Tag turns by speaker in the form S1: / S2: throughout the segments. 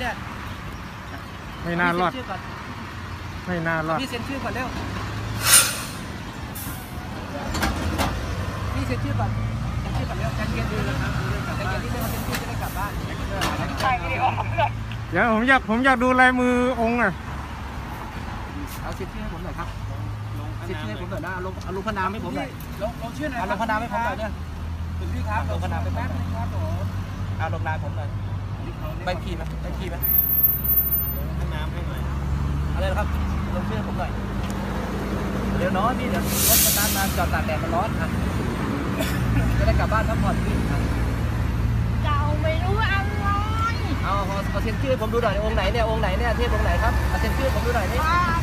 S1: เนี่ย
S2: ไม่น่ารอดไม่น่ารอด
S1: พี่เซ็นชื่อก่อนเร็วพี่เซ็นชื่อก่อนเซ็นชื่อก่อนเร็วใจเย็นดูนะครับใจเย็นที่ไม่มาเซ็นชื่อจะได้กลับบ้านถ่ายวิดีโอ
S2: เดี๋ยวผมอยากดูลายมือองค์อ่ะ
S1: เอาเซ็นชื่อให้ผมหน่อยครับเซ็นชื่อให้ผมหน่อยนะเอาลงพนามให้ผมหน่อยลงชื่อหน่อยเอาลงพนามให้ผมหน่อยเนี่ยคุณพี่ครับลงพนามให้ผมหน่อยครับผมเอาลงนามผมหน่อยใบขี่ไหมใบขี่ไหมลงน้ำให้หน่อยอะไรนะครับลงชื่อผมหน่อยเดี๋ยวน้องพี่เดี๋ยวรถมันนานมาจอดตากแดดมันร้อนอ่ะจะได้กลับบ้านพักผ่อนพี่
S3: เจ้าไม่รู้อะไร
S1: เอาเซ็นชื่อผมดูหน่อยองค์ไหนเนี่ยองค์ไหนเนี่ยเทพองค์ไหนครับเอาเซ็นชื่อผมดูหน่อยนี่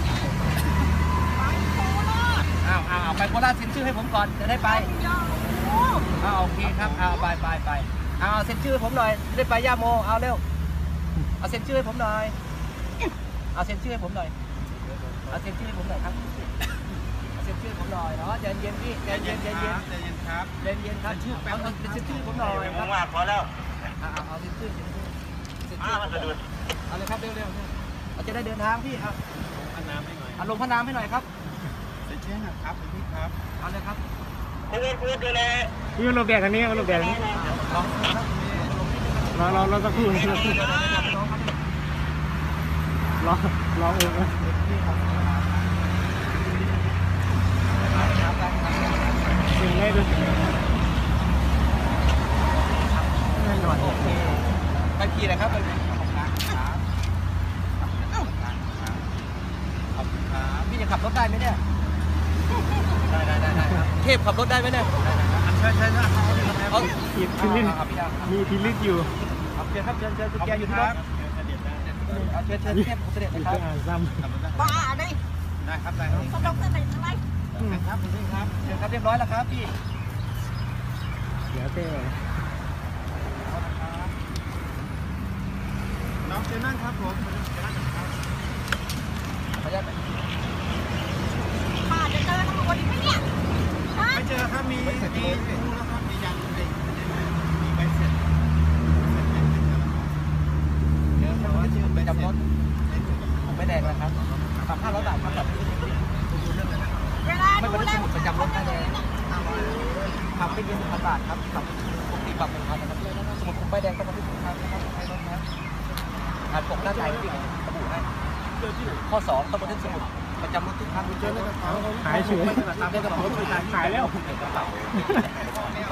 S1: เอาไปโคราชเซ็นชื่อให้ผมก่อนจะได้ไปโอเคครับเอาไปเอาเซ็นชื่อผมหน่อยได้ไปย่าโมเอาเร็วเอาเซ็นชื่อให้ผมหน่อยเอาเซ็นชื่อให้ผมหน่อยเอาเซ็นชื่อให้ผมหน่อยครับเอาเซ็นชื่อผมหน่อยเนาะใจเย็นพี่ใจเย็นครับใจเย็นครับชื่อเอาเซ็นชื่อผมหน่อยครับ
S4: พอแล้ว
S1: เอาเซ็นชื่อเอาเลยครับเร็วเราจะได้เดินทางพี่เอาพนามให้หน่อยเอาลงพนามให้หน่อยครับเซ็นชื่อครับพี่ครับเอาเลยครับ
S2: พี่รูปแบบอันนี้รูปแบบนี้เราสักครู่รอองค์นะถึงได้ดู
S1: แน่นอนโอเคไปขี่เลยครับไปพี่จะขับรถได้ไหมเนี่ยได้ครับเทพขับรถได้ไหมเนี่ยใช่เอา
S2: พิลิตมีพิลิตอยู่
S1: เชิญครับเชิญคุณแกอยู่ที่รถเชิญเทพเสด็จนะครับ
S3: บ้าดิ
S1: ได้ครับ
S3: สะดกสะเด็ดอะไร
S1: ครับคุณพี่ครับเชิญครับเรียบร้อยแล้วครับพี่
S2: เดี๋ยวเต้
S1: น้องเชิญนั่งครับผมขออนุญาต
S3: ป้าจะเจอตำรวจอีกไหมเนี่ย
S1: ไม่เจอครับมีรู้แล้วครับมียังมีใบเสร็จเจอแต่ว่าชื่อไปจำรถผมไม่แดงนะครับ3,500 บาทครับแบบ
S3: เวลา
S1: ไม่
S3: ดู
S1: เป็น
S3: แล
S1: สมุดประจำรถไม่แดงขับไม่เกิน 1,000 บาทครับขับปกติปรับ 1,000 นะครับสมุดผมใบแดงต้องมาที่ผมครับให้รถนะอ่านปกหน้าใจที่ระบุให้ข้อ 2ต้องบันทึกสมุดประจำรถทุกครั้งเจอในกระเป๋า
S2: หายเฉย
S1: ตามในกระเป๋าหายแล้ว
S2: หายแล้ว